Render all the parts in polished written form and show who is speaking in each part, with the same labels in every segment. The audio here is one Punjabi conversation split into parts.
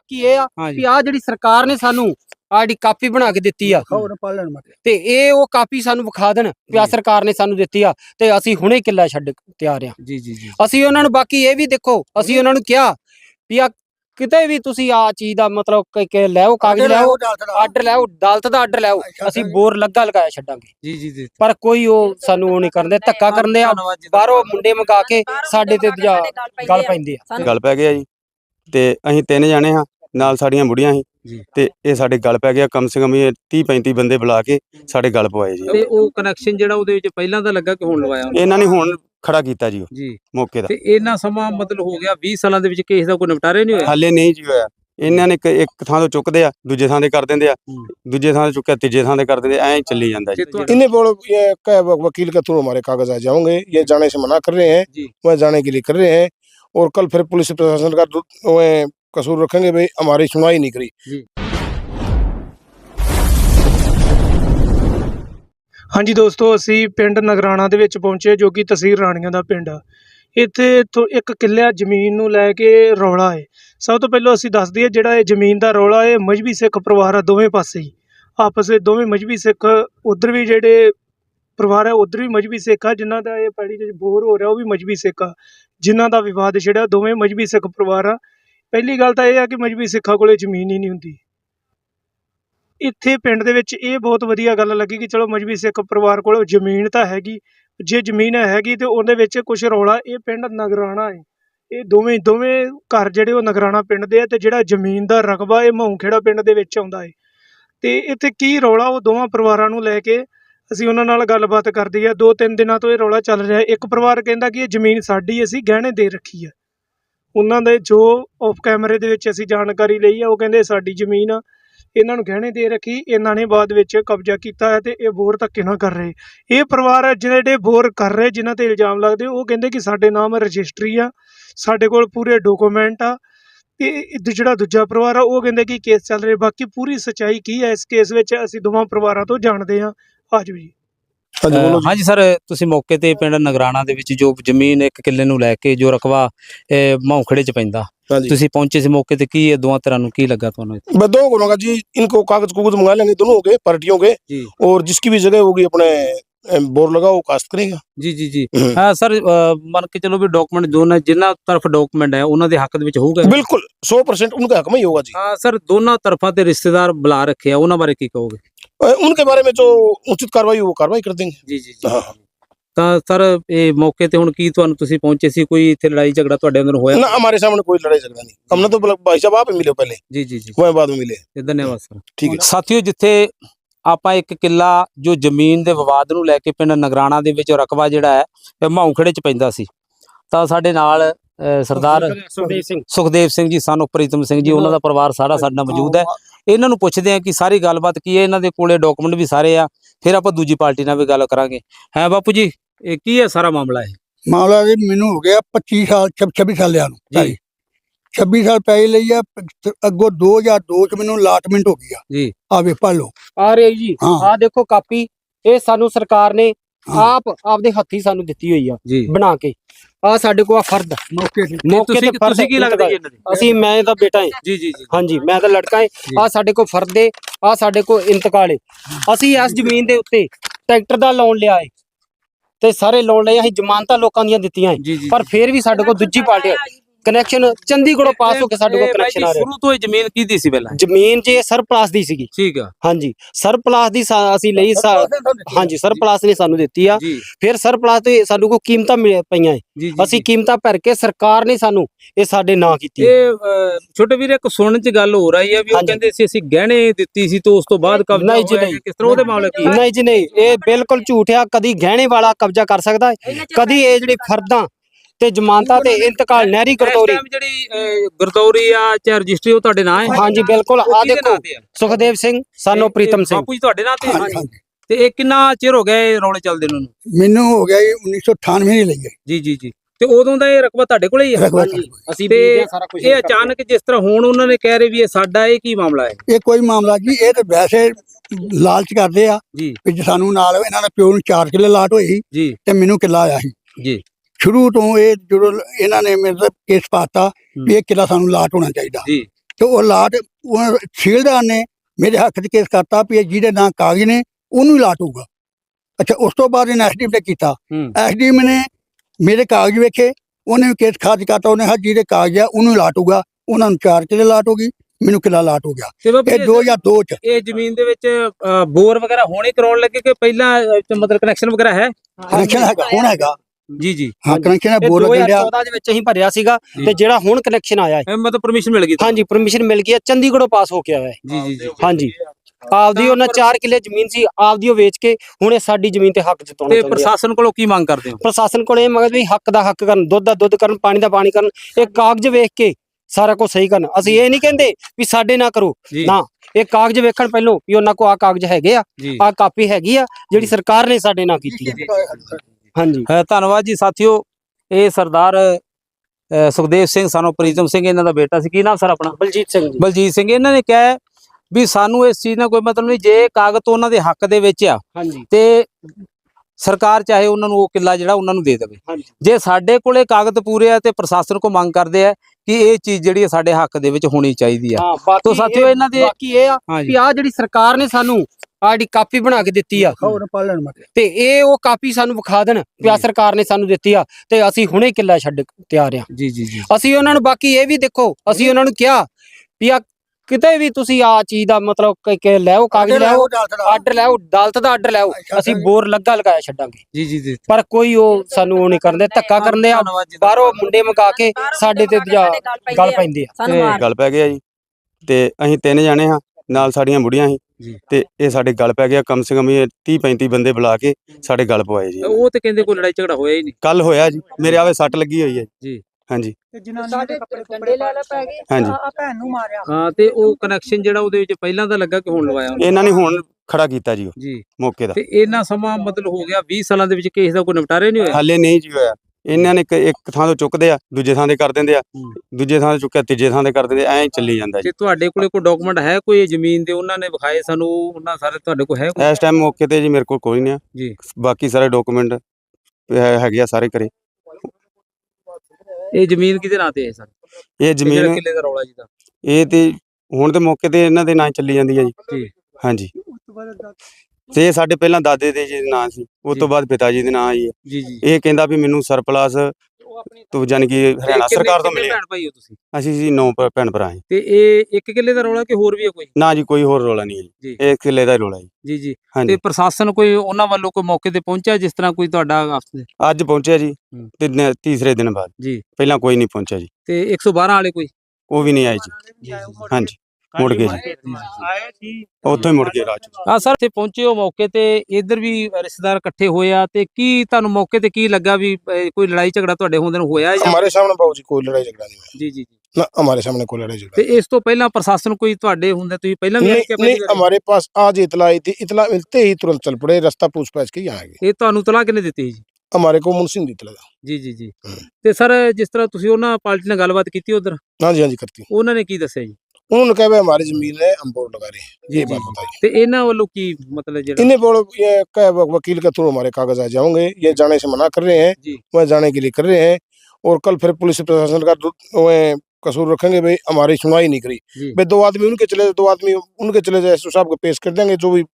Speaker 1: ਕਿ ਇਹ ਆ ਵੀ ਆ ਜਿਹੜੀ ਸਰਕਾਰ ਨੇ ਸਾਨੂੰ ਆੜੀ ਕਾਪੀ ਬਣਾ ਕੇ ਦਿੱਤੀ ਆ ਤੇ ਇਹ ਉਹ ਕਾਪੀ ਸਾਨੂੰ ਵਿਖਾ ਦੇਣ ਵੀ ਆ ਸਰਕਾਰ ਨੇ ਸਾਨੂੰ ਦਿੱਤੀ ਆ ਤੇ ਅਸੀਂ ਹੁਣੇ ਕਿੱਲਾ ਛੱਡ ਤਿਆਰ ਆ।
Speaker 2: ਜੀ ਜੀ ਜੀ
Speaker 1: ਅਸੀਂ ਉਹਨਾਂ ਨੂੰ ਬਾਕੀ ਇਹ ਵੀ ਦੇਖੋ ਅਸੀਂ ਉਹਨਾਂ ਨੂੰ ਕਿਹਾ ਵੀ ਆ ਕਿਤੇ ਵੀ ਤੁਸੀਂ ਆ ਚੀਜ਼ ਦਾ ਮਤਲਬ ਲੈਓ ਕਾਗਜ਼ ਲੈਓ ਆਰਡਰ ਲੈਓ ਅਦਾਲਤ ਦਾ ਆਰਡਰ ਲੈਓ ਅਸੀਂ ਬੋਰ ਲੱਗਾ ਲਗਾਇਆ ਛੱਡਾਂਗੇ।
Speaker 2: ਜੀ ਜੀ ਜੀ
Speaker 1: ਪਰ ਕੋਈ ਉਹ ਸਾਨੂੰ ਉਹ ਨਹੀਂ ਕਰਦੇ ਧੱਕਾ ਕਰਦੇ ਆ ਬਾਹਰੋਂ ਮੁੰਡੇ ਮੰਗਾ ਕੇ ਸਾਡੇ ਤੇ ਗੱਲ ਪੈਂਦੇ ਆ।
Speaker 3: ਗੱਲ ਪੈ ਗਿਆ ਜੀ ਤੇ ਅਸੀਂ 3 ਜਾਣੇ ਹਾਂ ਨਾਲ ਸਾਡੀਆਂ ਬੁੜੀਆਂ ਸੀ ਤੇ ਇਹ ਸਾਡੇ ਗੱਲ ਪੈ ਗਿਆ ਕਮ ਸੇ ਕਮ ਇਹ 30-35 ਬੰਦੇ ਬੁਲਾ ਕੇ ਸਾਡੇ ਗੱਲ ਪਵਾਏ ਜੀ।
Speaker 2: ਤੇ ਉਹ ਕਨੈਕਸ਼ਨ ਜਿਹੜਾ ਉਹਦੇ ਵਿੱਚ ਪਹਿਲਾਂ ਤਾਂ ਲੱਗਾ ਕਿ ਹੁਣ ਲਵਾਇਆ
Speaker 3: ਇਹਨਾਂ ਨੇ ਹੁਣ ਖੜਾ ਕੀਤਾ ਜੀ
Speaker 2: ਜੀ
Speaker 3: ਮੌਕੇ ਦਾ।
Speaker 2: ਤੇ ਇਹਨਾਂ ਸਮਾਂ ਮਤਲਬ ਹੋ ਗਿਆ 20 ਸਾਲਾਂ ਦੇ ਵਿੱਚ ਕੇਸ ਦਾ ਕੋਈ ਨਿਪਟਾਰੇ ਨਹੀਂ ਹੋਇਆ
Speaker 3: ਹਾਲੇ ਨਹੀਂ ਜੀ ਹੋਇਆ। ਇਹਨਾਂ ਨੇ ਇੱਕ ਥਾਂ ਤੋਂ ਚੁੱਕਦੇ ਆ ਦੂਜੇ ਥਾਂ ਤੇ ਕਰ ਦਿੰਦੇ ਆ ਦੂਜੇ ਥਾਂ ਤੇ ਚੁੱਕਿਆ ਤੀਜੇ ਥਾਂ ਤੇ ਕਰ दिंदे ऐ चली जाता है।
Speaker 4: इन्हें बोलो ये वकील के थ्रू हमारे कागज आ जाओगे ये जाने से मना कर रहे हैं वह जाने के लिए कर रहे हैं और कल फिर पुलिस प्रशासन का कसूर रखेंगे भाई हमारी सुनवाई नहीं करी।
Speaker 5: हाँ जी दोस्तों असी पिंड नगराणा दे विच पहुंचे जो कि तहसील राणियां दा पिंड आ। इत्थे एक किले जमीन नूं लैके रौला है। सब तो पहलों असी दस दईए जिहड़ा ये जमीन दा रौला है मजहबी सिख परिवार आ दोवें पासे ही आपस में दोवें मजहबी सिख उधर भी जिहड़े परिवार है उधर भी मजहबी सिख आ जिन्हां दा ये पैड़ी च बोर हो रहा वो भी मजहबी सिख आ जिन्हां दा विवाद छिड़िया दोवें मजहबी सिख परिवार आ। पहली गल तां इह आ कि मजहबी सिखां कोले जमीन ही नहीं हुंदी। इत्थे पिंड दे विच इह बहुत वधिया गल लगी कि चलो मजहबी सिख परिवार कोल जमीन तां हैगी जे जमीन हैगी तो उहदे विच कुछ रौला ये पिंड नगराणा है ये दोवें घर जिहड़े नगराणा पिंड दे ते जिहड़ा जमीन दा रकबा ये महूखेड़ा पिंड दे विच आउंदा है। ते इत्थे की रौला वो दोवां परिवारां नूं लैके असीं उहनां नाल गलबात करदी है। 2-3 दिनां तो ये रौला चल रहा है। एक परिवार कहंदा कि ये जमीन साडी असीं गहणे दे रखी है। उन्हां दे जो ऑफ कैमरे दे विच असीं जानकारी लई है वो कहंदे साडी जमीन आ इन्हां नूं गहणे दे रखी इन्हां ने बाद विच कब्जा कीता है ते ये बोर धक्के नाल कर रहे। ये परिवार जिहड़े बोर कर रहे जिन्हां ते इल्जाम लगदे वो कहंदे कि साडे नाम रजिस्ट्री आ साडे कोल पूरे डॉकूमेंट आ। ते जिहड़ा दूजा परिवार आ वो कहंदे कि केस चल रहे। बाकी पूरी सच्चाई की है इस केस विच असीं दोवां परिवारां तो जाणदे हां। आजो जी।
Speaker 2: हाँ जी सर तुसीं मौके ते पिंड नगराणा दे विच जो जमीन एक किले नूं लैके जो रकबा मौखड़े च पैंदा तुसीं पहुंचे सी मौके ते की दोवां तरहां नूं की लगा तुहानूं?
Speaker 4: मैं दो करूंगा जी इनको कागज कुगज मंगा लेंगे दोनों के पार्टियों के और जिसकी भी जगह होगी अपने बोर लगाओ कास्ट करेगा।
Speaker 2: जी जी जी हाँ सर मान के चलो भी डॉक्यूमेंट दोनों जिन्ना तरफ डॉक्यूमेंट है उन्हां दे हक दे विच होगा
Speaker 4: बिल्कुल 100% उनके हक में ही होगा जी।
Speaker 2: हाँ सर दोनों तरफा ते रिश्तेदार बुला रखे हैं उन्हां बारे की कहोगे?
Speaker 4: उनके बारे में जो उचित कार्रवाई वो कार्रवाई कर देंगे।
Speaker 2: जी जी जी ਤਾਂ ਸਰ ਇਹ ਮੌਕੇ ਤੇ ਹੁਣ ਕੀ ਤੁਹਾਨੂੰ ਤੁਸੀਂ ਪਹੁੰਚੇ ਸੀ ਕੋਈ ਇੱਥੇ ਲੜਾਈ ਝਗੜਾ ਤੁਹਾਡੇ ਅੰਦਰ ਹੋਇਆ?
Speaker 4: ना हमारे सामने कोई लड़ाई झगड़ा नहीं हमने तो भाई साहब आप ही मिले पहले
Speaker 2: जी जी जी
Speaker 4: वह बाद में मिले।
Speaker 2: ਧੰਨਵਾਦ ਸਰ।
Speaker 4: ठीक है
Speaker 2: ਸਾਥੀਓ ਜਿੱਥੇ ਆਪਾਂ ਇੱਕ ਕਿੱਲਾ ਜੋ ਜ਼ਮੀਨ ਦੇ ਵਿਵਾਦ ਨੂੰ ਲੈ ਕੇ ਪਿੰਡ ਨਗਰਾਣਾ ਦੇ ਵਿੱਚ ਰਕਬਾ ਜਿਹੜਾ ਹੈ ਇਹ ਮਾਊਖੜੇ ਚ ਪੈਂਦਾ ਸੀ ਤਾਂ ਸਾਡੇ ਨਾਲ ਸਰਦਾਰ ਸੁਖਦੇਵ ਸਿੰਘ ਜੀ ਸਾਨੂੰ ਪ੍ਰੀਤਮ ਸਿੰਘ ਜੀ ਉਹਨਾਂ ਦਾ ਪਰਿਵਾਰ ਸਾਰਾ ਸਾਡੇ ਨਾਲ ਮੌਜੂਦ ਹੈ। ਇਹਨਾਂ ਨੂੰ ਪੁੱਛਦੇ ਆ ਕਿ ਸਾਰੀ ਗੱਲਬਾਤ ਕੀ ਹੈ ਇਹਨਾਂ ਦੇ ਕੋਲੇ ਡਾਕੂਮੈਂਟ ਵੀ ਸਾਰੇ ਆ ਫਿਰ ਆਪਾਂ ਦੂਜੀ ਪਾਰਟੀ ਨਾਲ ਵੀ ਗੱਲ ਕਰਾਂਗੇ। ਹੈ ਬਾਪੂ ਜੀ ਇਹ ਕੀ ਹੈ ਸਾਰਾ ਮਾਮਲਾ ਹੈ?
Speaker 6: मामला जी मैनू हो गया 25 साल 26 साल
Speaker 2: जी
Speaker 6: 26 साल पैसे ਲਈ ਆ ਅੱਗੋਂ 2002 ਚ ਮੈਨੂੰ ਅਲਾਟਮੈਂਟ ਹੋ ਗਈ ਆ
Speaker 2: ਜੀ
Speaker 6: ਆ ਵੇ ਪਾ ਲਓ
Speaker 1: ਆ ਰਹੀ ਜੀ
Speaker 6: ਹਾਂ।
Speaker 1: ਆ ਦੇਖੋ ਕਾਪੀ ਇਹ ਸਾਨੂੰ ਸਰਕਾਰ ਨੇ ਆਪਦੇ ਹੱਥੀ ਸਾਨੂੰ ਦਿੱਤੀ ਹੋਈ ਆ
Speaker 2: ਜੀ
Speaker 1: ਬਣਾ ਕੇ ਆ ਸਾਡੇ ਕੋਲ ਆ ਫਰਦ
Speaker 6: ਮੌਕੇ ਤੇ
Speaker 1: ਮੌਕੇ ਤੇ ਫਰਦ
Speaker 2: ਤੁਸੀਂ ਕੀ ਲੱਗਦਾ ਜੀ ਇਹਨਾਂ ਦੇ?
Speaker 1: ਅਸੀਂ ਮੈਂ ਤਾਂ ਬੇਟਾ ਹਾਂ
Speaker 2: ਜੀ ਜੀ ਜੀ
Speaker 1: ਹਾਂਜੀ ਮੈਂ ਤਾਂ ਲੜਕਾ ਹਾਂ। ਆ ਸਾਡੇ ਕੋਲ ਫਰਦ ਏ ਆ ਸਾਡੇ ਕੋਲ ਇੰਤਕਾਲ ਏ। ਅਸੀਂ ਇਸ ਜ਼ਮੀਨ ਦੇ ਉੱਤੇ ਟਰੈਕਟਰ ਦਾ ਲੋਨ ਲਿਆ ਏ ਤੇ ਸਾਰੇ ਲੋਨ ਲਏ ਅਸੀਂ ਜ਼ਮਾਨਤਾਂ ਲੋਕਾਂ ਦੀਆਂ ਦਿੱਤੀਆਂ ਪਰ ਫਿਰ ਵੀ ਸਾਡੇ ਕੋਲ ਦੂਜੀ ਪਾਰਟੀ ਕਨੈਕਸ਼ਨ ਚੰਡੀਗੜ੍ਹੋਂ ਪਾਸ ਹੋ ਕੇ ਸਾਡੇ ਕੋਲ ਕਨੈਕਸ਼ਨ ਆ ਰਿਹਾ।
Speaker 2: ਸ਼ੁਰੂ ਤੋਂ ਇਹ ਜ਼ਮੀਨ ਕਿਹਦੀ ਸੀ ਪਹਿਲਾਂ?
Speaker 1: ਜ਼ਮੀਨ ਜੇ ਸਰਪਲਾਸ ਦੀ ਸੀਗੀ।
Speaker 2: ਠੀਕ ਆ
Speaker 1: ਹਾਂਜੀ ਸਰਪਲਾਸ ਦੀ ਅਸੀਂ ਲਈ ਹਾਂਜੀ ਸਰਪਲਾਸ ਨੇ ਸਾਨੂੰ ਦਿੱਤੀ ਆ ਫਿਰ ਸਰਪਲਾਸ ਤੇ ਸਾਨੂੰ ਕੋ ਕੀਮਤਾਂ ਪਈਆਂ ਅਸੀਂ ਕੀਮਤਾਂ ਭਰ ਕੇ ਸਰਕਾਰ ਨੇ ਸਾਨੂੰ ਇਹ ਸਾਡੇ ਨਾਂ ਕੀਤੀ।
Speaker 2: ਇਹ ਛੋਟੇ ਵੀਰੇ ਇੱਕ ਸੁਣਨ ਚ ਗੱਲ ਹੋ ਰਹੀ ਹੈ ਵੀ ਉਹ ਕਹਿੰਦੇ ਸੀ ਅਸੀਂ ਗਹਿਣੇ ਦਿੱਤੀ ਸੀ ਤੇ ਉਸ ਤੋਂ ਬਾਅਦ ਕਬਜ਼ਾ ਹੋਇਆ ਕਿਸ ਤਰ੍ਹਾਂ ਉਹਦੇ ਮਾਮਲੇ ਕੀ?
Speaker 1: ਨਹੀਂ ਜੀ ਨਹੀਂ ਇਹ ਬਿਲਕੁਲ ਝੂਠ ਆ। ਕਦੀ ਗਹਿਣੇ ਵਾਲਾ ਕਬਜ਼ਾ ਕਰ ਸਕਦਾ ਹੈ ਕਦੀ ਇਹ ਜਿਹੜੀ ਫਰਦਾਂ ਤੇ ਜ਼ਮਾਨਤਾਂ ਤੇ ਇੰਤਕਾਲ ਨਹਿਰੀ ਗਰਦੌਰੀ
Speaker 2: ਜਿਹੜੀ ਗਰਦੌਰੀ ਆ ਚਾਹੇ ਰਜਿਸਟਰੀ ਉਹ ਤੁਹਾਡੇ ਨਾਂ ਹੈ?
Speaker 1: ਹਾਂਜੀ ਬਿਲਕੁਲ ਆ ਦੇਖੋ ਸੁਖਦੇਵ ਸਿੰਘ ਸਾਨੂੰ ਪ੍ਰੀਤਮ ਸਿੰਘ
Speaker 2: ਬਾਪੂ ਜੀ ਤੁਹਾਡੇ ਨਾਂ ਤੇ? ਤੇ ਇਹ ਕਿੰਨਾ ਚਿਰ ਹੋ ਗਿਆ ਇਹ ਰੌਲੇ ਚੱਲਦੇ ਨੂੰ?
Speaker 6: ਮੈਨੂੰ ਹੋ ਗਿਆ 1998 ਹੀ ਲਈ
Speaker 2: ਜੀ ਜੀ ਜੀ ਤੇ ਉਦੋਂ ਦਾ ਇਹ ਰਕਬਾ ਤੁਹਾਡੇ ਕੋਲੇ ਹੀ ਹੈ?
Speaker 1: ਅਸੀਂ
Speaker 2: ਇਹ ਅਚਾਨਕ ਜਿਸ ਤਰ੍ਹਾਂ ਹੁਣ ਉਹਨਾਂ ਨੇ ਕਹਿ ਰਹੇ ਵੀ ਇਹ ਸਾਡਾ ਇਹ ਕੀ ਮਾਮਲਾ ਹੈ?
Speaker 6: ਇਹ ਕੋਈ ਮਾਮਲਾ ਜੀ ਇਹ ਤੇ ਵੈਸੇ ਲਾਲਚ ਕਰਦੇ ਆ
Speaker 2: ਜੀ
Speaker 6: ਵੀ ਸਾਨੂੰ ਨਾਲ ਇਹਨਾਂ ਦਾ ਪਿਓ ਨੂੰ 4 ਕਿੱਲੇ ਲਾਟ ਹੋਈ
Speaker 2: ਜੀ
Speaker 6: ਤੇ ਮੈਨੂੰ ਕਿੱਲਾ ਆਇਆ ਸੀ
Speaker 2: ਜੀ
Speaker 6: ਸ਼ੁਰੂ ਤੋਂ ਇਹ ਜਦੋਂ ਇਹਨਾਂ ਨੇ ਮੇਰੇ ਤੇ ਕੇਸ ਪਾਤਾ ਵੀ ਇਹ ਕਿੱਲਾ ਸਾਨੂੰ ਲਾਟ ਹੋਣਾ ਚਾਹੀਦਾ
Speaker 2: ਜੀ
Speaker 6: ਤੇ ਉਹ ਲਾਟ ਤਹਿਸੀਲਦਾਰ ਨੇ ਮੇਰੇ ਹੱਕ 'ਚ ਕੇਸ ਕਰਤਾ ਵੀ ਇਹ ਜਿਹਦੇ ਨਾਂ ਕਾਗਜ਼ ਨੇ ਉਹਨੂੰ ਹੀ ਲਾਟ ਹੋਊਗਾ। ਅੱਛਾ, ਉਸ ਤੋਂ ਬਾਅਦ ਇਹਨੇ ਐਸਡੀਐਮ ਨੇ ਕੀਤਾ। ਐਸਡੀਐਮ ਨੇ ਮੇਰੇ ਕਾਗਜ਼ ਵੇਖੇ, ਉਹਨੇ ਵੀ ਕੇਸ ਖਾਰਜ ਕਰਤਾ। ਉਹਨੇ ਹਾਂ ਜਿਹਦੇ ਕਾਗਜ਼ ਆ ਉਹਨੂੰ ਲਾਟ ਹੋਊਗਾ। ਉਹਨਾਂ ਨੂੰ 4 ਕਿੱਲੇ ਲਾਟ ਹੋ ਗਈ, ਮੈਨੂੰ ਕਿੱਲਾ ਲਾਟ ਹੋ ਗਿਆ। ਇਹ 2002 ਚ
Speaker 2: ਇਹ ਜ਼ਮੀਨ ਦੇ ਵਿੱਚ ਬੋਰ ਵਗੈਰਾ ਹੋਣੇ ਕਰਾਉਣ ਲੱਗੇ ਕਿ ਪਹਿਲਾਂ ਮਤਲਬ ਕਨੈਕਸ਼ਨ ਵਗੈਰਾ ਹੈ?
Speaker 6: ਕਨੈਕਸ਼ਨ ਹੈਗਾ, ਹੁਣ ਹੈਗਾ
Speaker 2: ਜੀ
Speaker 6: ਹਾਂ, ਕਨੈਕਸ਼ਨ ਹੈ। ਬੋਰ ਲੱਗਿਆ
Speaker 1: 2014 ਦੇ ਵਿੱਚ ਅਸੀਂ ਭਰਿਆ ਸੀਗਾ ਤੇ ਜਿਹੜਾ ਹੁਣ ਕਨੈਕਸ਼ਨ ਆਇਆ ਹੈ,
Speaker 2: ਮਤਲਬ ਪਰਮਿਸ਼ਨ ਮਿਲ ਗਈ?
Speaker 1: ਹਾਂਜੀ, ਪਰਮਿਸ਼ਨ ਮਿਲ ਗਈ ਹੈ, ਚੰਡੀਗੜ੍ਹੋਂ ਪਾਸ ਹੋ ਕੇ ਆਇਆ ਹੈ।
Speaker 2: ਜੀ
Speaker 1: ਹਾਂਜੀ, ਆਪਦੀ ਉਹਨਾਂ 4 ਕਿੱਲੇ ਜ਼ਮੀਨ ਸੀ, ਆਪਦੀ ਉਹ ਵੇਚ ਕੇ ਹੁਣ ਇਹ ਸਾਡੀ ਜ਼ਮੀਨ ਤੇ ਹੱਕ ਜਤਾਉਣਾ
Speaker 2: ਤੇ
Speaker 1: ਚਾਹੁੰਦੇ ਆ।
Speaker 2: ਪ੍ਰਸ਼ਾਸਨ ਕੋਲੋਂ ਕੀ ਮੰਗ ਕਰਦੇ ਹੋ?
Speaker 1: ਪ੍ਰਸ਼ਾਸਨ ਕੋਲ ਇਹ ਮੰਗਦੇ ਵੀ ਹੱਕ ਦਾ ਹੱਕ ਕਰਨ, ਦੁੱਧ ਦਾ ਦੁੱਧ ਕਰਨ, ਪਾਣੀ ਦਾ ਪਾਣੀ ਕਰਨ, ਇਹ ਕਾਗਜ਼ ਵੇਖ ਕੇ ਸਾਰਾ ਕੁਝ ਸਹੀ ਕਰਨ। ਅਸੀਂ ਇਹ ਨਹੀਂ ਕਹਿੰਦੇ ਵੀ ਸਾਡੇ ਨਾ ਕਰੋ, ਨਾ, ਇਹ ਕਾਗਜ਼ ਵੇਖਣ ਪਹਿਲੋਂ ਵੀ ਉਹਨਾਂ ਕੋ ਆ ਕਾਗਜ਼ ਹੈਗੇ ਆ, ਆ ਕਾਪੀ ਹੈਗੀ ਆ ਜਿਹੜੀ ਸਰਕਾਰ ਨੇ ਸਾਡੇ ਨਾਲ ਕੀਤੀ ਹੈ। ਹਾਂਜੀ,
Speaker 2: ਧੰਨਵਾਦ ਜੀ ਸਾਥੀਓ। ਇਹ ਸਰਦਾਰ ਸੁਖਦੇਵ ਸਿੰਘ ਸਾਨੂੰ ਪ੍ਰੀਤਮ ਸਿੰਘ ਇਹਨਾਂ ਦਾ ਬੇਟਾ ਸੀ। ਕੀ ਨਾਮ ਸਰ ਆਪਣਾ?
Speaker 1: ਬਲਜੀਤ ਸਿੰਘ ਜੀ।
Speaker 2: ਬਲਜੀਤ ਸਿੰਘ। ਇਹਨਾਂ ਨੇ ਕਿਹਾ ਵੀ ਸਾਨੂੰ ਇਸ ਚੀਜ਼ ਨਾਲ ਕੋਈ ਮਤਲਬ ਨਹੀਂ, ਜੇ ਕਾਗਜ਼ ਉਹਨਾਂ ਦੇ ਹੱਕ ਦੇ ਵਿੱਚ ਆ
Speaker 1: ਹਾਂਜੀ,
Speaker 2: ਤੇ ਸਰਕਾਰ ਚਾਹੇ ਉਹਨਾਂ ਨੂੰ ਉਹ ਕਿੱਲਾ ਜਿਹੜਾ ਉਹਨਾਂ ਨੂੰ ਦੇ ਦੇਵੇ।
Speaker 1: ਹਾਂਜੀ,
Speaker 2: ਜੇ ਸਾਡੇ ਕੋਲੇ ਕਾਗਜ਼ ਪੂਰੇ ਆ ਤੇ ਪ੍ਰਸ਼ਾਸਨ ਕੋ ਮੰਗ ਕਰਦੇ ਆ ਕਿ ਇਹ ਚੀਜ਼ ਜਿਹੜੀ ਸਾਡੇ ਹੱਕ ਦੇ ਵਿੱਚ ਹੋਣੀ ਚਾਹੀਦੀ ਆ।
Speaker 1: ਹਾਂ, ਬਾਕੀ
Speaker 2: ਤੋ ਸਾਥੀਓ ਇਹਨਾਂ ਦੇ
Speaker 1: ਬਾਕੀ ਇਹ ਆ ਵੀ ਆ ਜਿਹੜੀ ਸਰਕਾਰ ਨੇ ਸਾਨੂੰ ਆੜੀ ਕਾਪੀ ਬਣਾ ਕੇ ਦਿੱਤੀ ਆ, ਤੇ ਇਹ ਉਹ ਕਾਪੀ ਸਾਨੂੰ ਵਿਖਾ ਦੇਣ ਵੀ ਆ ਸਰਕਾਰ ਨੇ ਸਾਨੂੰ ਦਿੱਤੀ ਆ, ਤੇ ਅਸੀਂ ਹੁਣੇ ਕਿੱਲਾ ਛੱਡ ਤਿਆਰ ਆ।
Speaker 2: ਜੀ ਜੀ ਜੀ।
Speaker 1: ਅਸੀਂ ਉਹਨਾਂ ਨੂੰ ਬਾਕੀ ਇਹ ਵੀ ਦੇਖੋ, ਅਸੀਂ ਉਹਨਾਂ ਨੂੰ ਕਿਹਾ ਵੀ ਆ ਕਿਤੇ ਵੀ ਤੁਸੀਂ ਆ ਚੀਜ਼ ਦਾ ਮਤਲਬ ਲੈਓ, ਕਾਗਜ਼ ਲੈਓ, ਆਰਡਰ ਲੈਓ, ਅਦਾਲਤ ਦਾ ਆਰਡਰ ਲੈਓ, ਅਸੀਂ ਬੋਰ ਲੱਗਾ ਲਗਾਇਆ ਛੱਡਾਂਗੇ।
Speaker 2: ਜੀ ਜੀ ਜੀ।
Speaker 1: ਪਰ ਕੋਈ ਉਹ ਸਾਨੂੰ ਉਹ ਨਹੀਂ ਕਰਦੇ, ਧੱਕਾ ਕਰਦੇ ਆ, ਬਾਹਰੋਂ ਮੁੰਡੇ ਮੰਗਾ ਕੇ ਸਾਡੇ ਤੇ ਗੱਲ ਪੈਂਦੇ ਆ।
Speaker 3: ਗੱਲ ਪੈ ਗਿਆ ਜੀ, ਤੇ ਅਸੀਂ 3 ਜਾਣੇ ਹਾਂ, ਨਾਲ ਸਾਡੀਆਂ ਬੁੜੀਆਂ ਸੀ, ਤੇ ਇਹ ਸਾਡੇ ਗੱਲ ਪੈ ਗਿਆ। ਕਮ ਸੇ ਕਮ ਇਹ 30-35 ਬੰਦੇ ਬੁਲਾ ਕੇ ਸਾਡੇ ਗੱਲ ਪਵਾਏ ਜੀ।
Speaker 2: ਉਹ ਤੇ ਕਹਿੰਦੇ ਕੋਈ ਲੜਾਈ ਝਗੜਾ ਹੋਇਆ ਹੀ ਨਹੀਂ।
Speaker 3: ਕੱਲ ਹੋਇਆ ਜੀ, ਮੇਰੇ ਆਵੇ ਸੱਟ ਲੱਗੀ ਹੋਈ ਹੈ
Speaker 2: ਜੀ।
Speaker 3: ਹਾਂਜੀ,
Speaker 7: ਸਾਡੇ ਕੱਪੜੇ ਲੈ ਪੈ ਗਏ,
Speaker 3: ਹਾਂਜੀ।
Speaker 7: ਆ ਭੈਣ ਨੂੰ ਮਾਰਿਆ।
Speaker 2: ਹਾਂ, ਤੇ ਉਹ ਕਨੈਕਸ਼ਨ ਜਿਹੜਾ ਉਹਦੇ ਵਿੱਚ ਪਹਿਲਾਂ ਦਾ ਲੱਗਾ ਕਿ ਹੁਣ ਲਵਾਇਆ ਉਹਨੇ?
Speaker 3: ਇਹਨਾਂ ਨੇ ਹੁਣ ਖੜਾ ਕੀਤਾ ਜੀ,
Speaker 2: ਜੀ,
Speaker 3: ਮੌਕੇ ਦਾ।
Speaker 2: ਤੇ ਇਹਨਾਂ ਸਮਾਂ ਮਤਲਬ ਹੋ ਗਿਆ 20 ਸਾਲਾਂ ਦੇ ਵਿੱਚ ਕੇਸ ਦਾ ਕੋਈ ਨਿਪਟਾਰਾ ਨਹੀਂ ਹੋਇਆ?
Speaker 3: ਹਾਲੇ ਨਹੀਂ ਜੀ ਹੋਇਆ। ਇਹਨਾਂ ਨੇ ਇੱਕ ਥਾਂ ਤੋਂ ਚੁੱਕਦੇ ਆ, ਦੂਜੇ ਥਾਂ ਤੇ ਕਰ ਦਿੰਦੇ ਆ, ਦੂਜੇ ਥਾਂ ਤੇ ਚੁੱਕਿਆ ਤੀਜੇ ਥਾਂ ਤੇ ਕਰ ਦਿੰਦੇ, ਐਂ ਹੀ ਚੱਲੀ ਜਾਂਦਾ ਜੀ।
Speaker 2: ਤੇ ਤੁਹਾਡੇ ਕੋਲੇ ਕੋਈ ਡਾਕੂਮੈਂਟ ਹੈ ਕੋਈ ਜ਼ਮੀਨ ਦੇ ਉਹਨਾਂ ਨੇ ਵਿਖਾਏ ਸਾਨੂੰ, ਉਹਨਾਂ ਸਾਰੇ ਤੁਹਾਡੇ ਕੋਲ ਹੈ ਕੋਈ?
Speaker 3: ਇਸ ਟਾਈਮ ਮੌਕੇ ਤੇ ਜੀ ਮੇਰੇ ਕੋਲ ਕੋਈ ਨਹੀਂ ਆ
Speaker 2: ਜੀ।
Speaker 3: ਬਾਕੀ ਸਾਰੇ ਡਾਕੂਮੈਂਟ ਹੈਗੇ ਆ ਸਾਰੇ ਘਰੇ।
Speaker 2: ਇਹ ਜ਼ਮੀਨ ਕਿਹਦੇ ਨਾਂ ਤੇ ਹੈ ਸਰ?
Speaker 3: ਇਹ ਜ਼ਮੀਨ
Speaker 2: ਕਿੱਲੇ ਦਾ ਰੌਲਾ ਜੀ ਦਾ?
Speaker 3: ਇਹ ਤੇ ਹੁਣ ਤੇ ਮੌਕੇ ਤੇ ਇਹਨਾਂ ਦੇ ਨਾਂ ਚੱਲੀ ਜਾਂਦੀ ਹੈ ਜੀ। ਹਾਂਜੀ, ਤੇ ਸਾਡੇ ਪਹਿਲਾਂ ਦਾਦੇ ਦੇ ਜੀ ਨਾਂ ਸੀ, ਉਸ ਤੋਂ ਬਾਅਦ ਪਿਤਾ ਜੀ ਦੇ ਨਾਂ ਆਈ ਹੈ।
Speaker 2: ਜੀ ਜੀ।
Speaker 3: ਇਹ ਕਹਿੰਦਾ ਵੀ ਮੈਨੂੰ ਸਰਪਲਸ ਤੋਂ ਜਾਨੀ ਕਿ ਹਰਿਆਣਾ ਸਰਕਾਰ ਤੋਂ ਮਿਲਿਆ।
Speaker 2: ਭੈਣ ਭਾਈ ਹੋ ਤੁਸੀਂ?
Speaker 3: ਅਸੀਂ ਜੀ 9 ਭੈਣ ਭਰਾ ਹਾਂ।
Speaker 2: ਤੇ ਇਹ 1 ਕਿੱਲੇ ਦਾ ਰੌਲਾ ਕਿ ਹੋਰ ਵੀ ਹੈ ਕੋਈ?
Speaker 3: ਨਾ ਜੀ, ਕੋਈ ਹੋਰ ਰੌਲਾ ਨਹੀਂ ਹੈ ਜੀ, ਇਹ ਕਿੱਲੇ ਦਾ ਰੌਲਾ ਜੀ।
Speaker 2: ਜੀ ਜੀ।
Speaker 3: ਹਾਂਜੀ,
Speaker 2: ਤੇ ਪ੍ਰਸ਼ਾਸਨ ਕੋਈ ਉਹਨਾਂ ਵੱਲੋਂ ਕੋਈ ਮੌਕੇ ਤੇ ਪਹੁੰਚਿਆ ਜਿਸ ਤਰ੍ਹਾਂ ਕੋਈ ਤੁਹਾਡਾ
Speaker 3: ਅੱਜ ਪਹੁੰਚਿਆ ਜੀ, ਤੇ ਤੀਸਰੇ ਦਿਨ ਬਾਅਦ
Speaker 2: ਜੀ,
Speaker 3: ਪਹਿਲਾਂ ਕੋਈ ਨਹੀਂ ਪਹੁੰਚਿਆ ਜੀ।
Speaker 2: ਤੇ 112 ਵਾਲੇ ਕੋਈ?
Speaker 3: ਉਹ ਵੀ ਨਹੀਂ ਆਏ ਜੀ। ਹਾਂਜੀ, ਮੁੜ ਗਏ ਜੀ, ਉੱਥੋਂ ਹੀ ਮੁੜ ਗਏ ਰਾਜ।
Speaker 2: ਹਾਂ ਸਰ, ਇੱਥੇ ਪਹੁੰਚੇ ਹੋ ਮੌਕੇ ਤੇ, ਇੱਧਰ ਵੀ ਰਿਸ਼ਤੇਦਾਰ ਇਕੱਠੇ ਹੋਏ ਆ, ਤੇ ਕੀ ਤੁਹਾਨੂੰ ਮੌਕੇ ਤੇ ਕੀ ਲੱਗਾ ਵੀ ਕੋਈ ਲੜਾਈ ਝਗੜਾ ਤੁਹਾਡੇ ਹੁੰਦੇ ਨੂੰ ਹੋਇਆ ਜਾਂ?
Speaker 4: हमारे सामने बाबू जी कोई लड़ाई झगड़ा नहीं हुआ।
Speaker 2: ਜੀ ਜੀ।
Speaker 4: ना हमारे सामने कोई लड़ाई झगड़ा
Speaker 2: ਤੇ ਇਸ ਤੋਂ ਪਹਿਲਾਂ ਪ੍ਰਸ਼ਾਸन ਕੋਈ ਤੁਹਾਡੇ ਹੁੰਦੇ ਤੁਸੀਂ ਪਹਿਲਾਂ ਵੀ ਆਏ
Speaker 4: नहीं।
Speaker 2: ਕਿ
Speaker 4: नहीं, हमारे पास आज इतला आई थी, इतला मिलते ही तुरंत चल पड़े, रास्ता पूछ पाछ के यहाँ आ गए।
Speaker 2: ਇਹ ਤੁਹਾਨੂੰ ਤਲਾਹ ਕਿਹਨੇ ਦਿੱਤੀ ਜੀ?
Speaker 4: हमारे को मुंशी ने इतला था।
Speaker 2: ਜੀ ਜੀ ਜੀ। ਤੇ ਸਰ ਜਿਸ ਤਰ੍ਹਾਂ ਤੁਸੀਂ ਉਹਨਾਂ ਪਾਰਟੀ ਨਾਲ ਗੱਲਬਾਤ ਕੀਤੀ ਉਧਰ,
Speaker 4: हाँ जी, हाँ जी, करती।
Speaker 2: ਉਹਨਾਂ ਨੇ ਕੀ ਦੱਸਿਆ ਜੀ?
Speaker 4: उन्होंने कहा भाई हमारी जमीन है, हम बोर्ड लगा रहे हैं, ये बात बताइए।
Speaker 2: ਤੇ ਇਹਨਾਂ ਵੱਲੋਂ ਕੀ ਮਤਲਬ ਜਿਹੜਾ?
Speaker 4: इन्हें बोलो ये क्या वकील के थ्रू हमारे कागज आ जाओगे, ये जाने से मना कर रहे हैं,
Speaker 2: जी।
Speaker 4: वह जाने के लिए कर रहे हैं, और कल फिर पुलिस प्रशासन का कसूर रखेंगे भाई, हमारी सुनवाई नहीं करी
Speaker 2: जी।
Speaker 4: भाई। 2 आदमी उनके चले, 2 आदमी उनके चले जाए, एसओ साहब को पेश कर देंगे, जो भी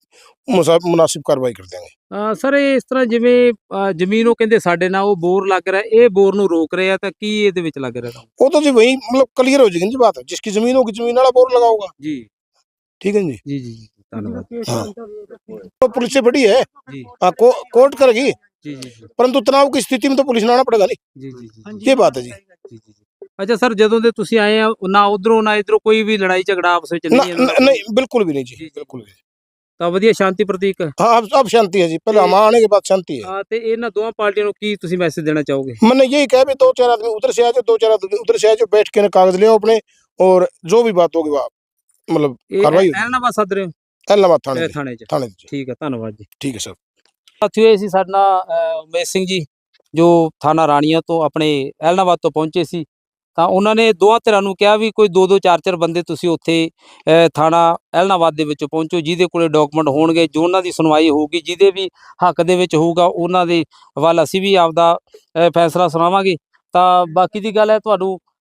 Speaker 4: मुनासिब कार्रवाई कर देंगे।
Speaker 2: ਸਰ ਇਹ ਇਸ ਤਰ੍ਹਾਂ ਜਿਵੇਂ ਜ਼ਮੀਨ ਉਹ ਕਹਿੰਦੇ ਸਾਡੇ ਨਾਲ ਉਹ ਬੋਰ ਲੱਗ ਰਿਹਾ, ਇਹ ਬੋਰ ਨੂੰ ਰੋਕ ਰਿਹਾ, ਤਾਂ ਕੀ ਇਹਦੇ ਵਿੱਚ ਲੱਗ ਰਿਹਾ?
Speaker 4: वो तो जी वही मतलब क्लियर हो जाएगी जी बात, जिसकी जमीन होगी जमीन वाला बोर लगाओगा।
Speaker 2: जी
Speaker 4: ठीक है जी।
Speaker 2: जी जी जी, धन्यवाद।
Speaker 4: हाँ, तो पुलिस से बड़ी है,
Speaker 2: जी
Speaker 4: कोर्ट करेगी,
Speaker 2: जी जी जी
Speaker 4: परंतु तनाव की स्थिति में तो पुलिस ने आना पड़ेगा नहीं,
Speaker 2: जी जी जी
Speaker 4: ये बात है जी।
Speaker 2: जी जी। ਅੱਛਾ ਸਰ, ਜਦੋਂ ਦੇ ਤੁਸੀਂ ਆਏ ਆ ਨਾ ਉਧਰੋਂ ਨਾ ਇਧਰੋਂ ਕੋਈ ਵੀ ਲੜਾਈ ਝਗੜਾ ਆਪਸ ਵਿੱਚ ਨਹੀਂ ਹੈ?
Speaker 4: नहीं, बिल्कुल भी नहीं जी, बिल्कुल भी।
Speaker 2: ਤਾਂ ਵਧੀਆ ਸ਼ਾਂਤੀ ਪ੍ਰਤੀਕ।
Speaker 4: हाँ, अब शांति है जी, पहले हम आने के बाद शांति है।
Speaker 2: ਹਾਂ, ਤੇ ਇਹਨਾਂ ਦੋਵਾਂ ਪਾਰਟੀਆਂ ਨੂੰ ਕੀ ਤੁਸੀਂ ਮੈਸੇਜ ਦੇਣਾ चाहोगे?
Speaker 4: मैंने यही कहा भी 2-4 आदमी उधर से आ जाओ, 2-4 आदमी उधर से आ जाओ, बैठ के ना कागज ले आओ अपने, और जो भी बात होगी वह मतलब कार्रवाई होगी।
Speaker 2: ਐਲਨਾਬਾਦ ਸੱਦ ਰਹੇ ਹੋ
Speaker 4: एलाहाबाद थाने जी,
Speaker 2: ਥਾਣੇ 'ਚ?
Speaker 4: थाने जी।
Speaker 2: ਠੀਕ ਹੈ, ਧੰਨਵਾਦ ਜੀ।
Speaker 4: ठीक है सर।
Speaker 2: ਸਾਥੀਓ, ਇਹ ਸੀ ਸਾਡਾ ਉਮੇਸ਼ ਸਿੰਘ ਜੀ, ਜੋ ਥਾਣਾ ਰਾਣੀਆਂ ਤੋਂ ਆਪਣੇ ਐਲਨਾਬਾਦ ਤੋਂ ਪਹੁੰਚੇ ਸੀ। ਤਾਂ ਉਹਨਾਂ ਨੇ ਦੋਹਾਂ ਧਿਰਾਂ ਨੂੰ ਕਿਹਾ ਵੀ ਕੋਈ 2-2 4-4 ਬੰਦੇ ਤੁਸੀਂ ਉੱਥੇ ਥਾਣਾ ਐਲਨਾਬਾਦ ਦੇ ਵਿੱਚ ਪਹੁੰਚੋ, ਜਿਹਦੇ ਕੋਲੇ ਡਾਕੂਮੈਂਟ ਹੋਣਗੇ, ਜੋ ਉਹਨਾਂ ਦੀ ਸੁਣਵਾਈ ਹੋਊਗੀ, ਜਿਹਦੇ ਵੀ ਹੱਕ ਦੇ ਵਿੱਚ ਹੋਊਗਾ, ਉਹਨਾਂ ਦੇ ਵੱਲ ਅਸੀਂ ਵੀ ਆਪਦਾ ਫੈਸਲਾ ਸੁਣਾਵਾਂਗੇ। ਤਾਂ ਬਾਕੀ ਦੀ ਗੱਲ ਹੈ, ਤੁਹਾਨੂੰ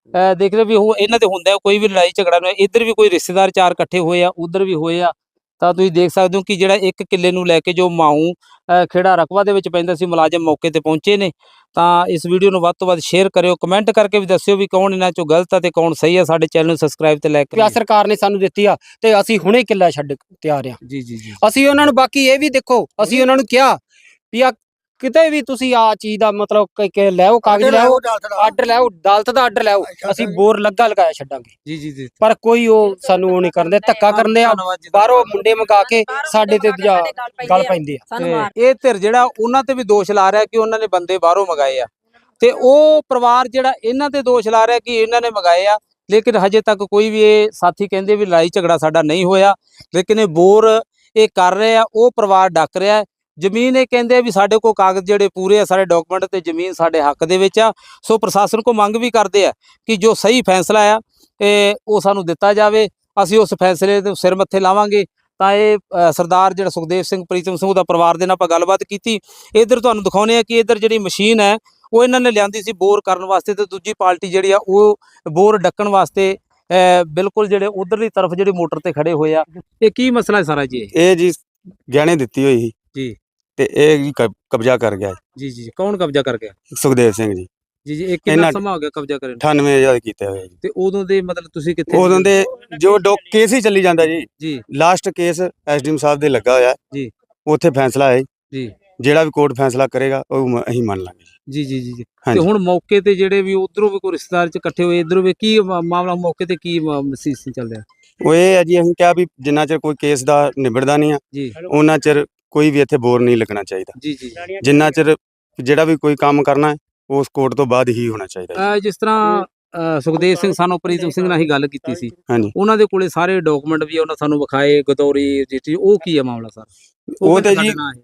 Speaker 2: ਦੇਖ ਰਹੇ ਵੀ ਉਹ ਇਹਨਾਂ ਦੇ ਹੁੰਦਾ ਕੋਈ ਵੀ ਲੜਾਈ ਝਗੜਾ ਨਾ, ਇੱਧਰ ਵੀ ਕੋਈ ਰਿਸ਼ਤੇਦਾਰ ਚਾਰ ਇਕੱਠੇ ਹੋਏ ਆ, ਉਧਰ ਵੀ ਹੋਏ ਆ। ਤਾਂ ਤੁਸੀਂ ਦੇਖ ਸਕਦੇ ਹੋ ਕਿ ਜਿਹੜਾ 1 ਕਿੱਲੇ ਨੂੰ ਲੈ ਕੇ ਜੋ ਮਾਊ ਖੇੜਾ ਰਕਬਾ ਦੇ ਵਿੱਚ ਪੈਂਦਾ ਸੀ, ਮੁਲਾਜ਼ਮ ਮੌਕੇ ਤੇ ਪਹੁੰਚੇ ਨੇ। ਤਾਂ ਇਸ ਵੀਡੀਓ ਨੂੰ ਵੱਧ ਤੋਂ ਵੱਧ ਸ਼ੇਅਰ ਕਰਿਓ, ਕਮੈਂਟ ਕਰਕੇ ਵੀ ਦੱਸਿਓ ਵੀ ਕੌਣ ਇਹਨਾਂ ਚੋਂ ਗਲਤ ਆ ਤੇ ਕੌਣ ਸਹੀ ਆ। ਸਾਡੇ ਚੈਨਲ ਨੂੰ ਸਬਸਕ੍ਰਾਈਬ ਤੇ ਲਾਈਕ
Speaker 1: ਪਿਆ ਸਰਕਾਰ ਨੇ ਸਾਨੂੰ ਦਿੱਤੀ ਆ ਤੇ ਅਸੀਂ ਹੁਣੇ ਕਿੱਲਾ ਛੱਡ ਤਿਆਰ ਆ।
Speaker 2: ਜੀ ਜੀ ਜੀ
Speaker 1: ਅਸੀਂ ਉਹਨਾਂ ਨੂੰ ਬਾਕੀ ਇਹ ਵੀ ਦੇਖੋ, ਅਸੀਂ ਉਹਨਾਂ ਨੂੰ ਕਿਹਾ ਵੀ ਆ ਕਿਤੇ ਵੀ ਤੁਸੀਂ ਆ ਚੀਜ਼ ਦਾ ਮਤਲਬ ਕਿ ਲੈਓ, ਕਾਗਜ਼ ਲੈਓ, ਆਰਡਰ ਲੈਓ, ਅਦਾਲਤ ਦਾ ਆਰਡਰ ਲੈਓ, ਅਸੀਂ ਬੋਰ ਲਗਾਇਆ ਛੱਡਾਂਗੇ।
Speaker 2: ਜੀ ਜੀ ਜੀ
Speaker 1: ਪਰ ਕੋਈ ਉਹ ਸਾਨੂੰ ਉਹ ਨਹੀਂ ਕਰਦੇ, ਧੱਕਾ ਕਰਦੇ ਆ, ਬਾਹਰੋਂ ਮੁੰਡੇ ਮੰਗਾ ਕੇ ਸਾਡੇ ਤੇ ਗੱਲ ਪੈਂਦੇ ਆ।
Speaker 2: ਤੇ ਇਹ ਧਿਰ ਜਿਹੜਾ ਉਹਨਾਂ ਤੇ ਵੀ ਦੋਸ਼ ਲਾ ਰਿਹਾ ਕਿ ਉਹਨਾਂ ਨੇ ਬੰਦੇ ਬਾਹਰੋਂ ਮੰਗਾਏ ਆ, ਤੇ ਉਹ ਪਰਿਵਾਰ ਜਿਹੜਾ ਇਹਨਾਂ ਤੇ ਦੋਸ਼ ਲਾ ਰਿਹਾ ਕਿ ਇਹਨਾਂ ਨੇ ਮੰਗਾਏ ਆ। ਲੇਕਿਨ ਹਜੇ ਤੱਕ ਕੋਈ ਵੀ ਇਹ ਸਾਥੀ ਕਹਿੰਦੇ ਵੀ ਲੜਾਈ ਝਗੜਾ ਸਾਡਾ ਨਹੀਂ ਹੋਇਆ, ਲੇਕਿਨ ਇਹ ਬੋਰ ਇਹ ਕਰ ਰਹੇ ਆ, ਉਹ ਪਰਿਵਾਰ ਡੱਕ ਰਿਹਾ ਹੈ। ਜ਼ਮੀਨ ਇਹ ਕਹਿੰਦੇ ਆ ਵੀ ਸਾਡੇ ਕੋਲ ਕਾਗਜ਼ ਜਿਹੜੇ ਪੂਰੇ ਆ, ਸਾਰੇ ਡਾਕੂਮੈਂਟ ਤੇ ਜ਼ਮੀਨ ਸਾਡੇ ਹੱਕ ਦੇ ਵਿੱਚ ਆ। ਸੋ ਪ੍ਰਸ਼ਾਸਨ ਕੋ ਮੰਗ ਵੀ ਕਰਦੇ ਆ ਕਿ ਜੋ ਸਹੀ ਫੈਸਲਾ ਆ ਉਹ ਸਾਨੂੰ ਦਿੱਤਾ ਜਾਵੇ, ਅਸੀਂ ਉਸ ਫੈਸਲੇ ਦੇ ਸਿਰ ਮੱਥੇ ਲਾਵਾਂਗੇ। ਤਾਂ ਇਹ ਸਰਦਾਰ ਜਿਹੜਾ ਸੁਖਦੇਵ ਸਿੰਘ ਪ੍ਰੀਤਮ ਸਿੰਘ ਦਾ ਪਰਿਵਾਰ ਦੇ ਨਾਲ ਆਪਾਂ ਗੱਲਬਾਤ ਕੀਤੀ। ਇੱਧਰ ਤੁਹਾਨੂੰ ਦਿਖਾਉਂਦੇ ਆ ਕਿ ਇੱਧਰ ਜਿਹੜੀ ਮਸ਼ੀਨ ਹੈ ਉਹ ਇਹਨਾਂ ਨੇ ਲਿਆਂਦੀ ਸੀ ਬੋਰ ਕਰਨ ਵਾਸਤੇ, ਤੇ ਦੂਜੀ ਪਾਰਟੀ ਜਿਹੜੀ ਆ ਉਹ ਬੋਰ ਡੱਕਣ ਵਾਸਤੇ ਬਿਲਕੁਲ ਜਿਹੜੇ ਉਧਰਲੀ ਤਰਫ ਜਿਹੜੀ ਮੋਟਰ ਤੇ ਖੜੇ ਹੋਏ ਆ। ਇਹ ਕੀ ਮਸਲਾ ਹੈ ਸਾਰਾ ਜੀ?
Speaker 3: ਇਹ ਜੀ ਗਹਿਣੇ ਦਿੱਤੀ ਹੋਈ ਸੀ
Speaker 2: ਜੀ
Speaker 3: ਤੇ ਇਹ ਜੀ ਕਬਜ਼ਾ ਕਰ ਗਿਆ
Speaker 2: ਜੀ ਜੀ ਕੌਣ ਕਬਜ਼ਾ ਕਰ ਗਿਆ?
Speaker 3: ਸੁਖਦੇਵ ਸਿੰਘ ਜੀ।
Speaker 2: ਜੀ ਜੀ ਇਹ ਕਿੰਨਾ
Speaker 3: ਇਹਨਾਂ-
Speaker 2: ਸਮਾਂ ਹੋ ਗਿਆ ਕਬਜ਼ਾ ਕਰਨ ਨੂੰ?
Speaker 3: 98,000 ਕੀਤੇ ਹੋਏ ਜੀ।
Speaker 2: ਤੇ ਉਦੋਂ ਦੇ ਮਤਲਬ ਤੁਸੀਂ ਕਿੱਥੇ
Speaker 3: ਉਦੋਂ ਦੇ ਜੋ ਕੇਸ ਹੀ ਚੱਲੀ ਜਾਂਦਾ ਜੀ,
Speaker 2: ਜੀ
Speaker 3: ਲਾਸਟ ਕੇਸ ਐਸਡੀਐਮ ਸਾਹਿਬ ਦੇ ਲੱਗਾ ਹੋਇਆ
Speaker 2: ਜੀ।
Speaker 3: ਉੱਥੇ ਫੈਸਲਾ ਹੈ
Speaker 2: ਜੀ
Speaker 3: ਜਿਹੜਾ ਵੀ ਕੋਰਟ ਫੈਸਲਾ ਕਰੇਗਾ ਉਹ ਅਸੀਂ ਮੰਨ ਲਾਂਗੇ
Speaker 2: ਜੀ ਜੀ ਜੀ ਜੀ। ਤੇ
Speaker 3: ਹਾਂਜੀ।
Speaker 2: ਹੁਣ ਮੌਕੇ ਤੇ ਜਿਹੜੇ ਵੀ ਉਧਰੋਂ ਵੀ ਕੋਈ ਰਿਸ਼ਤੇਦਾਰ ਚ ਇਕੱਠੇ ਹੋਏ, ਇਧਰੋਂ ਵੀ ਕੀ ਮਾਮਲਾ ਮੌਕੇ ਤੇ ਕੀ ਮਸੀਸ ਚੱਲ ਰਿਹਾ?
Speaker 3: ਉਹ ਇਹ ਹੈ ਜੀ, ਅਸੀਂ ਕਿਹਾ ਵੀ ਜਿੰਨਾ ਚਿਰ ਕੋਈ ਕੇਸ ਦਾ ਨਿਬੜਦਾ ਨਹੀਂ ਆ
Speaker 2: ਜੀ
Speaker 3: ਉਹਨਾਂ ਚਿਰ ਕੋਈ ਵੀ ਇੱਥੇ ਬੋਰ ਨਹੀਂ ਲੱਗਣਾ ਚਾਹੀਦਾ।
Speaker 2: ਜੀ ਜੀ।
Speaker 3: ਜਿੰਨਾ ਚਿਰ ਜਿਹੜਾ ਵੀ ਕੋਈ ਕੰਮ ਕਰਨਾ ਹੈ ਉਸ ਕੋਰਟ ਤੋਂ ਬਾਅਦ ਹੀ ਹੋਣਾ ਚਾਹੀਦਾ
Speaker 2: ਜਿਸ ਤਰ੍ਹਾਂ ਸੁਖਦੇਵ ਸਿੰਘ ਸਾਨੂੰ ਪ੍ਰੀਤਮ ਸਿੰਘ ਨਾਲ ਹੀ ਗੱਲ ਕੀਤੀ ਸੀ,
Speaker 3: ਹਾਂਜੀ।
Speaker 2: ਉਹਨਾਂ ਦੇ ਕੋਲੇ ਸਾਰੇ ਡਾਕੂਮੈਂਟ ਵੀ ਉਹਨਾਂ ਸਾਨੂੰ ਵਿਖਾਏ, ਗਦੌਰੀ ਰਜਿਸਟਰੀ, ਉਹ ਕੀ ਹੈ ਮਾਮਲਾ ਸਰ?
Speaker 3: ਉਹ ਤੇ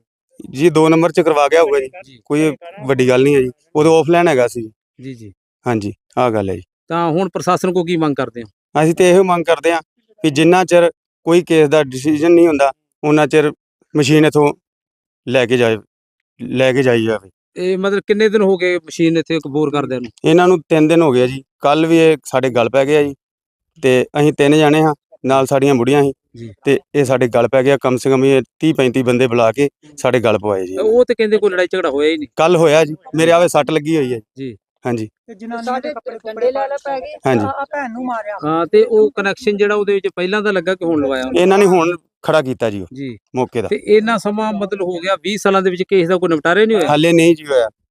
Speaker 3: ਜੀ 2 ਨੰਬਰ ਚ ਕਰਵਾ ਗਿਆ ਹੋਊਗਾ ਜੀ, ਕੋਈ ਵੱਡੀ ਗੱਲ ਨਹੀਂ ਹੈ ਜੀ। ਉਦੋਂ ਆਫਲਾਈਨ ਹੈਗਾ ਸੀ
Speaker 2: ਜੀ ਜੀ।
Speaker 3: ਹਾਂਜੀ, ਆਹ ਗੱਲ ਹੈ ਜੀ।
Speaker 2: ਤਾਂ ਹੁਣ ਪ੍ਰਸ਼ਾਸਨ ਕੋ ਕੀ ਮੰਗ ਕਰਦੇ ਹੋ?
Speaker 3: ਅਸੀਂ ਤੇ ਇਹੋ ਮੰਗ ਕਰਦੇ ਹਾਂ ਕਿ ਜਿੰਨਾ ਚਿਰ ਕੋਈ ਕੇਸ ਦਾ ਡਿਸੀਜਨ ਨਹੀਂ ਹੁੰਦਾ ਉਹਨਾਂ ਚਿਰ ਮਸ਼ੀਨ ਇਥੋਂ ਲੈ ਕੇ ਜਾਈ ਜਾਵੇ।
Speaker 2: ਇਹ ਮਤਲਬ ਕਿੰਨੇ ਦਿਨ ਹੋ ਗਏ ਮਸ਼ੀਨ ਇੱਥੇ ਬੋਰ ਕਰਦਿਆਂ ਨੂੰ?
Speaker 3: ਇਹਨਾਂ ਨੂੰ 3 ਦਿਨ ਹੋ ਗਏ ਜੀ। ਕੱਲ ਵੀ ਇਹ ਸਾਡੇ ਗੱਲ ਪੈ ਗਿਆ ਜੀ, ਤੇ ਅਸੀਂ 3 ਜਾਣੇ ਹਾਂ, ਨਾਲ ਸਾਡੀਆਂ ਬੁੜੀਆਂ ਸੀ
Speaker 2: ਜੀ।
Speaker 3: ਤੇ ਇਹ ਸਾਡੇ ਗੱਲ ਪੈ ਗਿਆ। ਕਮ ਸੇ ਕਮ ਇਹ 30-35 ਬੰਦੇ ਬੁਲਾ ਕੇ ਸਾਡੇ ਗੱਲ ਪਵਾਏ ਜੀ।
Speaker 2: ਉਹ ਤੇ ਕਹਿੰਦੇ ਕੋਈ ਲੜਾਈ ਝਗੜਾ ਹੋਇਆ ਹੀ ਨਹੀਂ।
Speaker 3: ਕੱਲ ਹੋਇਆ ਜੀ, ਮੇਰੇ ਆਵੇ ਸੱਟ ਲੱਗੀ ਹੋਈ ਹੈ
Speaker 2: ਜੀ।
Speaker 3: ਹਾਂਜੀ
Speaker 7: ਸਾਡੇ ਕੱਪੜੇ ਲੈ ਪੈ ਗਏ,
Speaker 3: ਹਾਂਜੀ।
Speaker 7: ਆ ਭੈਣ ਨੂੰ ਮਾਰਿਆ।
Speaker 2: ਹਾਂ, ਤੇ ਉਹ ਕਨੈਕਸ਼ਨ ਜਿਹੜਾ ਉਹਦੇ ਵਿੱਚ ਪਹਿਲਾਂ ਦਾ ਲੱਗਾ ਕਿ ਹੁਣ ਲਵਾਇਆ ਉਹਨੇ?
Speaker 3: ਇਹਨਾਂ ਨੇ ਹੁਣ ਖੜਾ ਕੀਤਾ ਜੀ ਉਹ
Speaker 2: ਜੀ।
Speaker 3: ਮੌਕੇ ਦਾ।
Speaker 2: ਤੇ ਇੰਨਾ ਸਮਾਂ ਮਤਲਬ ਹੋ ਗਿਆ 20 ਸਾਲਾਂ ਦੇ ਵਿੱਚ ਕੇਸ ਦਾ ਕੋਈ ਨਿਪਟਾਰਾ ਨਹੀਂ ਹੋਇਆ?
Speaker 3: ਹਾਲੇ ਨਹੀਂ ਜੀ ਹੋਇਆ।